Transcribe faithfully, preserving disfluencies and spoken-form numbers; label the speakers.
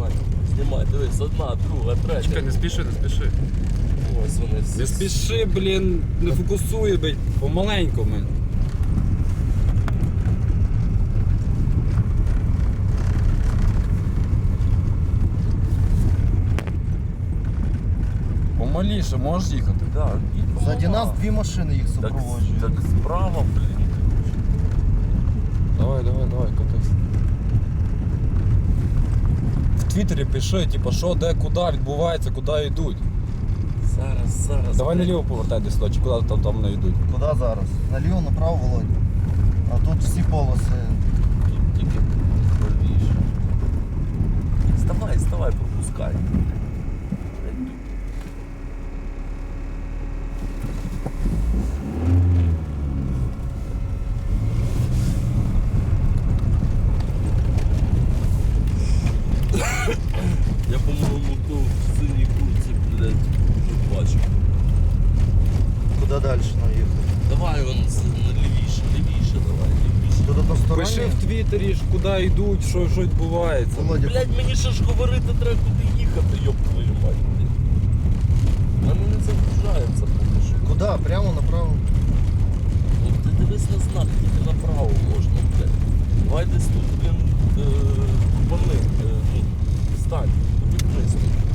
Speaker 1: знімай. Знімай, дивись, одна, друга, третя.
Speaker 2: Чекай, не спіши, не спіши.
Speaker 1: Ось вони всі.
Speaker 2: Не спіши, блін, не фокусує, блін, помаленьку, блін. Помаліше, можеш їхати?
Speaker 1: Да, і
Speaker 3: Ззаді нас
Speaker 1: помагай.
Speaker 3: дві машини їх
Speaker 1: Так,
Speaker 3: супроводжують.
Speaker 1: так справа, блін.
Speaker 2: Давай, давай, давай, катись. В Твіттері пиши, типу, що, де, куди відбувається, куди йдуть.
Speaker 1: Зараз, зараз.
Speaker 2: Давай
Speaker 1: блін.
Speaker 2: наліво повертай десь сюди, чи куди там, там не йдуть.
Speaker 3: Куди зараз? Наліво, направо, Володь. А тут всі полоси.
Speaker 1: Тут тільки правіше. Вставай, вставай, пропускай. Я, по-моєму, то в синій курці, блядь, вже бачив.
Speaker 3: Куди далі наїхати?
Speaker 1: Давай вон з- на лівіше, лівіше, давай, лівіше.
Speaker 3: Тут односторонні?
Speaker 2: Пиши в Твіттері, ж, куди йдуть, що, що відбувається.
Speaker 3: Володя,
Speaker 1: Блядь, мені ще ж говорити треба куди їхати, ёб твою мать, блядь. Мене не загружається поки що.
Speaker 3: куди? Прямо направо?
Speaker 1: Ну ти дивись на знак, тільки направо можна, блядь. Давай десь тут, блін, е, купани, е, ну, стань, обігнись тут.